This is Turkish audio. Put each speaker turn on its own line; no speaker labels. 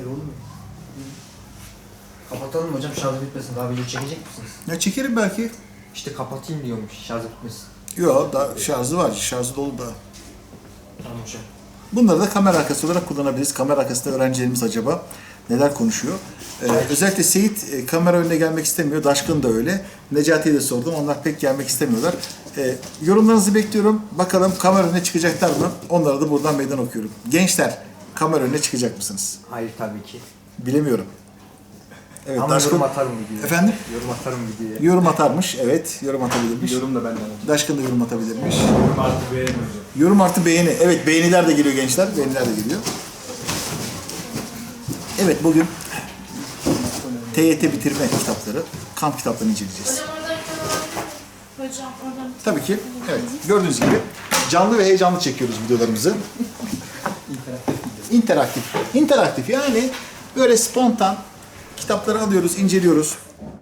Öyle olur mu? Kapatalım mı hocam, şarjı bitmesin. Daha video çekecek misiniz?
Ya çekerim belki.
İşte kapatayım diyormuş, şarjı bitmesin.
Yok, daha şarjı var. Şarjı dolu da.
Tamam hocam.
Bunları da kamera arkası olarak kullanabiliriz. Kamera arkasında öğrencilerimiz acaba neler konuşuyor? Özellikle Seyit kamera önüne gelmek istemiyor. Daşkın da öyle. Necati'ye de sordum. Onlar pek gelmek istemiyorlar. Yorumlarınızı bekliyorum. Bakalım kamera önüne çıkacaklar mı? Onlara da buradan meydan okuyorum. Gençler, kamera önüne çıkacak mısınız?
Hayır tabii ki.
Bilemiyorum. Evet,
Ama
Daşkın...
yorum atarım videoya.
Efendim?
Yorum atarım videoya.
Yorum atarmış. Evet, yorum atabilirmiş.
Yorum da benden.
Daşkın da yorum atabilirmiş.
Yorum artı beğeni hocam.
Yorum artı beğeni. Evet, beğeniler de geliyor gençler. Beğeniler de geliyor. Evet, bugün TYT bitirme kitapları, kamp kitaplarını inceleyeceğiz.
Hocam oradan Hocam oradan
Tabii ki. Evet. Gördüğünüz gibi canlı ve heyecanlı çekiyoruz videolarımızı. İnteraktif. İnteraktif yani böyle spontan kitapları alıyoruz, inceliyoruz.